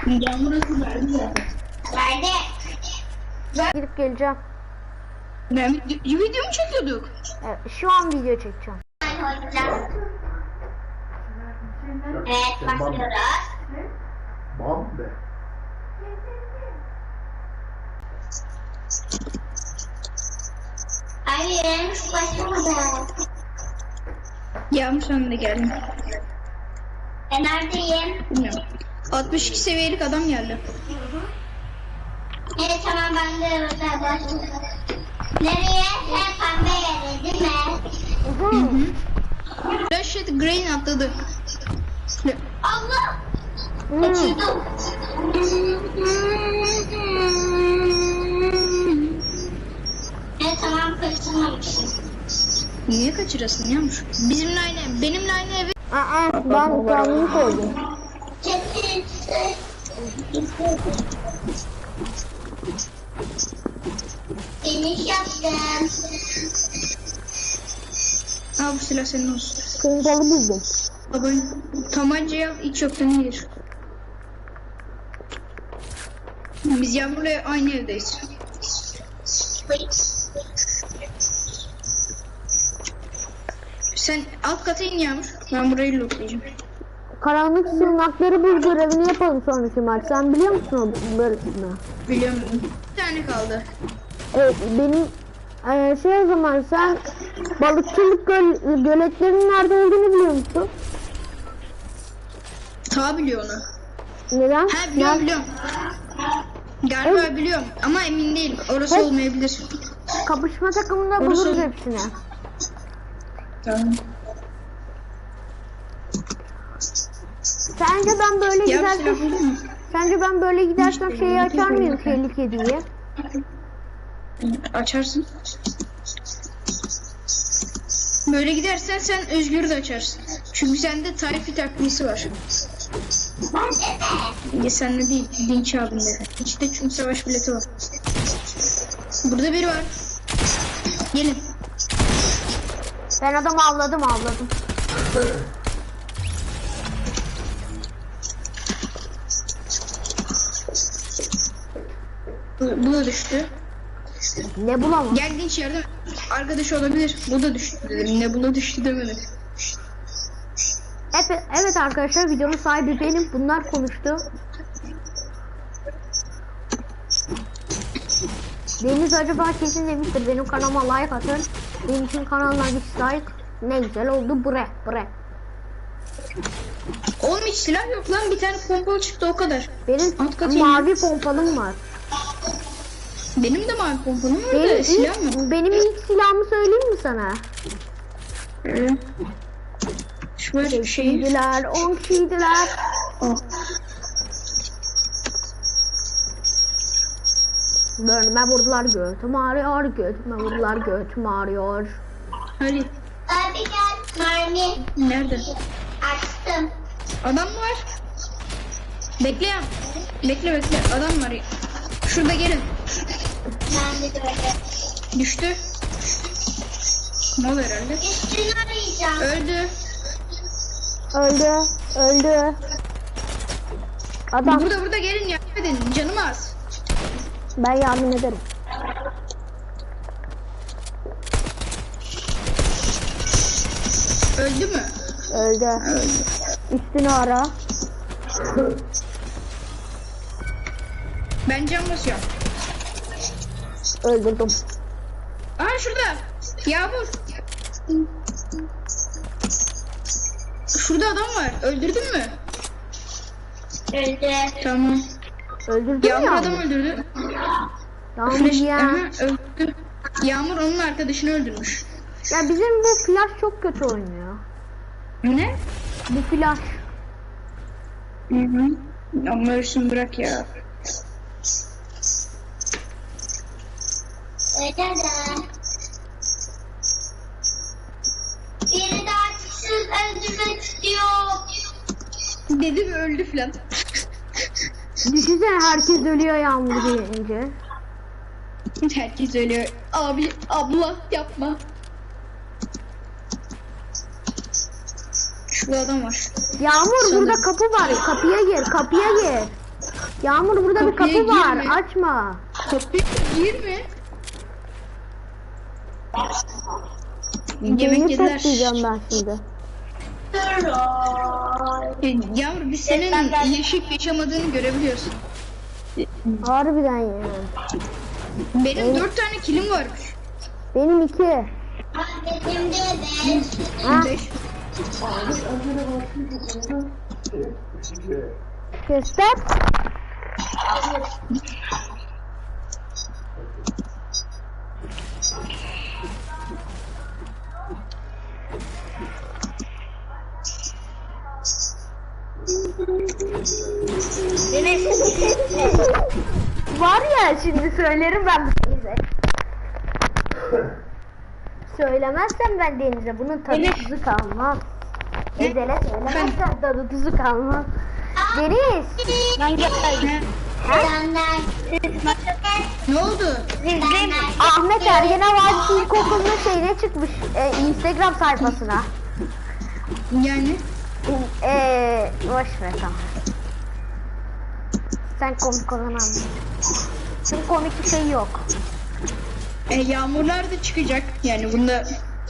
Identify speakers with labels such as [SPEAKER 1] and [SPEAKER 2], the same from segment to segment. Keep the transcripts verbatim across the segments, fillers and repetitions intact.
[SPEAKER 1] Yağmur hızı verdi zaten.
[SPEAKER 2] Verdi.
[SPEAKER 3] Gidip geleceğim.
[SPEAKER 1] Ben video, video mu çekiyorduk?
[SPEAKER 3] Evet, şu an video çekeceğim.
[SPEAKER 2] Evet, başlıyoruz.
[SPEAKER 4] Bam be.
[SPEAKER 2] Hayır, başlamadı.
[SPEAKER 1] Yağmur sonunda geldim.
[SPEAKER 2] Ben neredeyim?
[SPEAKER 1] Bilmiyorum. altmış iki seviyelik adam geldi.
[SPEAKER 2] Evet, tamam, ben de burada başladım. Nereye? He, pembe yere değil mi?
[SPEAKER 3] Hı hı.
[SPEAKER 1] Rashid Green atladı.
[SPEAKER 2] Allah!
[SPEAKER 3] Hmm.
[SPEAKER 2] Kaçırdım. Evet, tamam, kaçırmamışım.
[SPEAKER 1] Niye kaçırasın Yağmur? Bizimle aynı, benimle aynı evi.
[SPEAKER 3] Aa, ben kendimi koydum.
[SPEAKER 2] Kesin. Finish yaptım.
[SPEAKER 1] Al bu silah senin olsun.
[SPEAKER 3] Pompalı buldum.
[SPEAKER 1] Baba tabancayı al, hiç yoktan iyidir. Biz Yağmur'la aynı evdeyiz. Sen alt kata in Yağmur. Ben burayı lootlayacağım.
[SPEAKER 3] Karanlık sığınakları bul görevini yapalım sonraki maç. Sen biliyor musun o bölümü?
[SPEAKER 1] Biliyorum. Bir tane kaldı.
[SPEAKER 3] Evet, benim eee, şey o zaman sen balıkçılık göl, göletlerinin nerede olduğunu biliyor musun?
[SPEAKER 1] Ta biliyor onu.
[SPEAKER 3] Neden?
[SPEAKER 1] Ha biliyorum
[SPEAKER 3] Nerede?
[SPEAKER 1] biliyorum. Galiba biliyorum ama emin değilim. Orası
[SPEAKER 3] Evet.
[SPEAKER 1] olmayabilir.
[SPEAKER 3] Kapışma takımında
[SPEAKER 1] Orası-
[SPEAKER 3] buluruz hepsini.
[SPEAKER 1] Tamam.
[SPEAKER 3] Sence ben böyle
[SPEAKER 1] Ya bir
[SPEAKER 3] gidersem,
[SPEAKER 1] silah buldun mu?
[SPEAKER 3] sence ben böyle gidersem şeyi açar mıyım şeyli kediyi?
[SPEAKER 1] Açarsın. Böyle gidersen sen Özgür'ü de açarsın. Çünkü sende tarifi takviyesi var. Ya sende değil, Dinç abinde. İçte çünkü savaş bileti var. Burada biri var. Gelin.
[SPEAKER 3] Ben adamı avladım avladım.
[SPEAKER 1] Bu, bu da düştü.
[SPEAKER 3] Ne bulamam?
[SPEAKER 1] Gel Dinç yardım. Arkadaş olabilir. Bu da düştü dedim. Ne buna düştü demedim.
[SPEAKER 3] Evet, evet arkadaşlar, videonun sahibi benim. Bunlar konuştu. Deniz acaba kesin demiştir benim kanalıma like atın. Benim için kanalına dislike. Ne güzel oldu bre bre.
[SPEAKER 1] Oğlum hiç silah yok lan. Bir tane pompalı çıktı o kadar.
[SPEAKER 3] Benim
[SPEAKER 1] Alt katı
[SPEAKER 3] mavi pompalım var.
[SPEAKER 1] Benim de mavi pompalım var
[SPEAKER 3] Benim
[SPEAKER 1] da silah mı?
[SPEAKER 3] ilk, benim ilk silahımı söyleyeyim mi sana?
[SPEAKER 1] Ee, Şu var şey.
[SPEAKER 3] Kişiydiler, on kişiydiler.
[SPEAKER 1] Oh.
[SPEAKER 3] Bölme vurdular, götüm ağrıyor, götüme vurdular, götüm ağrıyor.
[SPEAKER 1] Hadi.
[SPEAKER 2] Abi gel, mermi.
[SPEAKER 1] Nerede?
[SPEAKER 2] Açtım.
[SPEAKER 1] Adam mı var? Bekle ya. Bekle bekle. Adam var. Şurada gelin.
[SPEAKER 2] Ben de böyle.
[SPEAKER 1] Düştü. Mal herhalde.
[SPEAKER 2] Üstünü arayacağım.
[SPEAKER 1] Öldü.
[SPEAKER 3] Öldü, öldü. Adam,
[SPEAKER 1] Burada burada gelin yardım edin. Canım az.
[SPEAKER 3] ben yardım ederim.
[SPEAKER 1] Öldü mü?
[SPEAKER 3] Öldü.
[SPEAKER 1] Öldü.
[SPEAKER 3] Üstünü ara.
[SPEAKER 1] Ben can basıyorum.
[SPEAKER 3] Öldürdüm.
[SPEAKER 1] Aha şurada. Yağmur. Şurada adam var. Öldürdün mü?
[SPEAKER 2] Öldü.
[SPEAKER 1] Tamam.
[SPEAKER 3] Öldürdün
[SPEAKER 1] Yağmur
[SPEAKER 3] ya.
[SPEAKER 1] adam öldürdü.
[SPEAKER 3] Yağmur
[SPEAKER 1] Flash,
[SPEAKER 3] ya.
[SPEAKER 1] aha, öldü. Yağmur onun arkadaşını öldürmüş.
[SPEAKER 3] Ya bizim bu flash çok kötü oynuyor.
[SPEAKER 1] Ne?
[SPEAKER 3] Bu flash.
[SPEAKER 1] Hı hı. Ama ölsün bırak ya.
[SPEAKER 2] Öyle de. Biri daha çıksın, öldürmek istiyor.
[SPEAKER 1] Dedi ve öldü filan.
[SPEAKER 3] Düşünsene herkes ölüyor Yağmur deyince.
[SPEAKER 1] Herkes ölüyor. Abi, abla yapma. Şurada adam var.
[SPEAKER 3] Yağmur
[SPEAKER 1] Sanırım.
[SPEAKER 3] burada kapı var. Kapıya gir, kapıya gir. Yağmur burada bir
[SPEAKER 1] Kapıya
[SPEAKER 3] kapı var.
[SPEAKER 1] girme.
[SPEAKER 3] Açma.
[SPEAKER 1] Kapıyı girme.
[SPEAKER 3] Beni
[SPEAKER 1] Yemek yediler.
[SPEAKER 3] toplayacağım ben şimdi.
[SPEAKER 1] E, Yavrum biz senin yaşayıp yaşamadığını görebiliyorsun.
[SPEAKER 3] Harbiden ya.
[SPEAKER 1] Benim
[SPEAKER 3] Evet.
[SPEAKER 1] dört tane kilim varmış.
[SPEAKER 3] Benim iki.
[SPEAKER 2] Benim de beş.
[SPEAKER 3] Ha?
[SPEAKER 1] Beş.
[SPEAKER 3] Göster. Var ya şimdi söylerim ben Deniz'e. Söylemezsem ben Deniz'e bunun tadı tuzu kalmaz. Ezel'e söylemezsem tadı tuzu kalmaz. Deniz.
[SPEAKER 2] Ben geldim.
[SPEAKER 1] Ha?
[SPEAKER 2] Senden.
[SPEAKER 1] Ne oldu?
[SPEAKER 2] Senden.
[SPEAKER 3] Ahmet Ergen Havacı İlkokulu'nun şeyine çıkmış. E, Instagram sayfasına.
[SPEAKER 1] Yani
[SPEAKER 3] Eee boş ver tamam. Sen komik olan anla. Çünkü komik bir şey yok.
[SPEAKER 1] e, yağmurlar da çıkacak. Yani bunda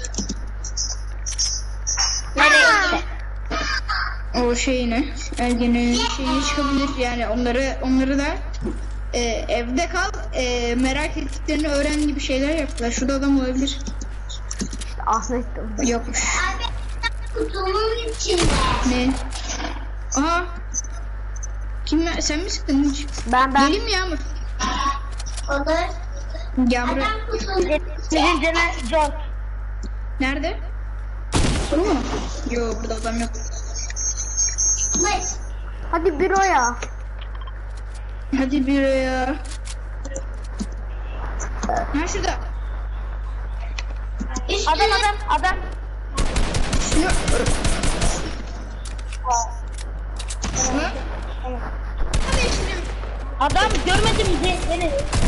[SPEAKER 1] o şeyine ergenin şeyine çıkabilir. Yani onları onları da e, evde kal e, merak ettiklerini öğren gibi şeyler yaptılar. Şurada adam olabilir.
[SPEAKER 3] İşte Ahmet de.
[SPEAKER 1] Yokmuş.
[SPEAKER 2] Abi kutunun içinde.
[SPEAKER 1] Ne? Aha. Kim sen mi sıktın hiç?
[SPEAKER 3] Ben ben.
[SPEAKER 1] Geleyim mi Yağmur?
[SPEAKER 2] Olur.
[SPEAKER 1] Gel buraya.
[SPEAKER 2] Adam kutunun
[SPEAKER 3] Senin canın zor.
[SPEAKER 1] Nerede? Bu mu? Yo burada adam yok.
[SPEAKER 2] içinde.
[SPEAKER 3] Hadi büroya.
[SPEAKER 1] Hadi bir ya. Ha şurada.
[SPEAKER 2] Adam adam adam.
[SPEAKER 1] Şunu. Ha? Hadi şimdi.
[SPEAKER 2] Adam görmedi bizi. Beni.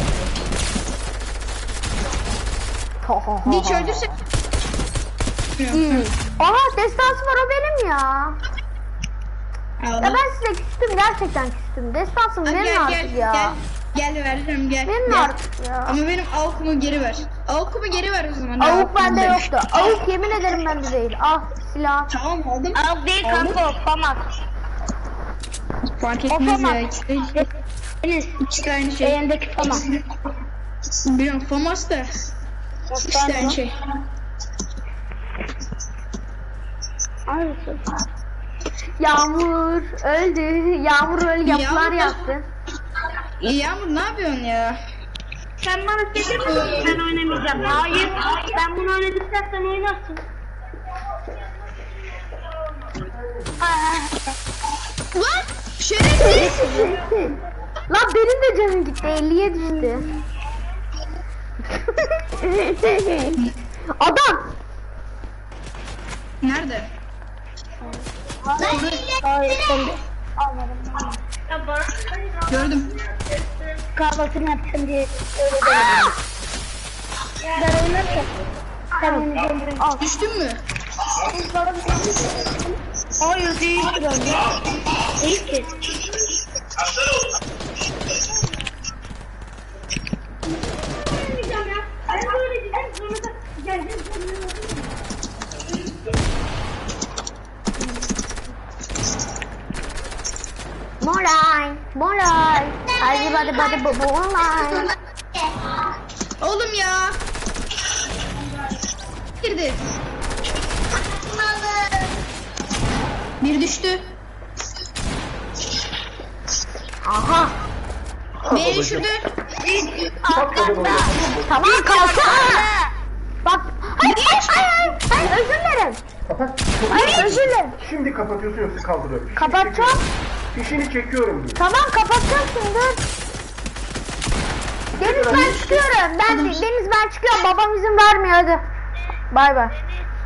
[SPEAKER 1] Hiç öldürse.
[SPEAKER 3] Hmm. Aha destansı var o benim ya. Ya
[SPEAKER 1] Allah.
[SPEAKER 3] ben size küstüm gerçekten küstüm. Destansım
[SPEAKER 1] Hadi
[SPEAKER 3] verin
[SPEAKER 1] gel
[SPEAKER 3] artık
[SPEAKER 1] gel
[SPEAKER 3] ya.
[SPEAKER 1] gel. Gel veririm gel.
[SPEAKER 3] Verin
[SPEAKER 1] gel.
[SPEAKER 3] artık ya.
[SPEAKER 1] Ama benim avukumu geri ver. Avukumu geri ver o zaman.
[SPEAKER 3] Avuk
[SPEAKER 1] Avukumu
[SPEAKER 3] bende
[SPEAKER 1] ver.
[SPEAKER 3] yoktu. Avuk yemin ederim bende değil. Al silah.
[SPEAKER 1] Tamam aldım.
[SPEAKER 2] Al değil kanka o famak.
[SPEAKER 1] Fark etmez
[SPEAKER 2] Famas.
[SPEAKER 1] ya. İkisi de,
[SPEAKER 2] Enes.
[SPEAKER 1] ikisi de aynı şey.
[SPEAKER 2] Elindeki famak.
[SPEAKER 1] Biliyorum Famas da. İkisi de aynı şey.
[SPEAKER 3] Yağmur öldü. Yağmur öyle yapılar
[SPEAKER 1] Yağmur-
[SPEAKER 3] yaptı.
[SPEAKER 1] Yağmur ne yapıyorsun ya?
[SPEAKER 2] Sen bana seçer misin? Ben oynamayacağım. Hayır. Ben bunu oynadıktan sen oynarsın.
[SPEAKER 1] Lan şerefsiz.
[SPEAKER 3] Lan benim de canım gitti. elliye düştü. Adam.
[SPEAKER 1] Nerede?
[SPEAKER 2] Hayır sen de. Almadım.
[SPEAKER 1] Gördüm.
[SPEAKER 2] Kahvaltını yaptım diye öyle demedim. Ben oynarken. Sen oynayacaksın. Al.
[SPEAKER 1] Düştün mü?
[SPEAKER 2] Hayır değil ki. Değil ki.
[SPEAKER 3] Moray. Moray. Hadi hadi hadi bu bu moray.
[SPEAKER 1] Oğlum ya. Girdi. Bir düştü.
[SPEAKER 3] Aha.
[SPEAKER 1] Beni düşürdü.
[SPEAKER 3] Tamam kalksana. Bak. Hayır hayır hayır. Hayır özür dilerim.
[SPEAKER 4] Kapat.
[SPEAKER 3] Hayır özür dilerim.
[SPEAKER 4] Şimdi kapatıyorsun yoksa kaldırıyorum. Fişini
[SPEAKER 3] Kapatacağım.
[SPEAKER 4] çekiyorum. Fişini çekiyorum diyor.
[SPEAKER 3] Tamam kapatacağım şimdi. Deniz ben çıkıyorum. Ben Deniz ben çıkıyorum. Babam izin vermiyor hadi. Bay bay.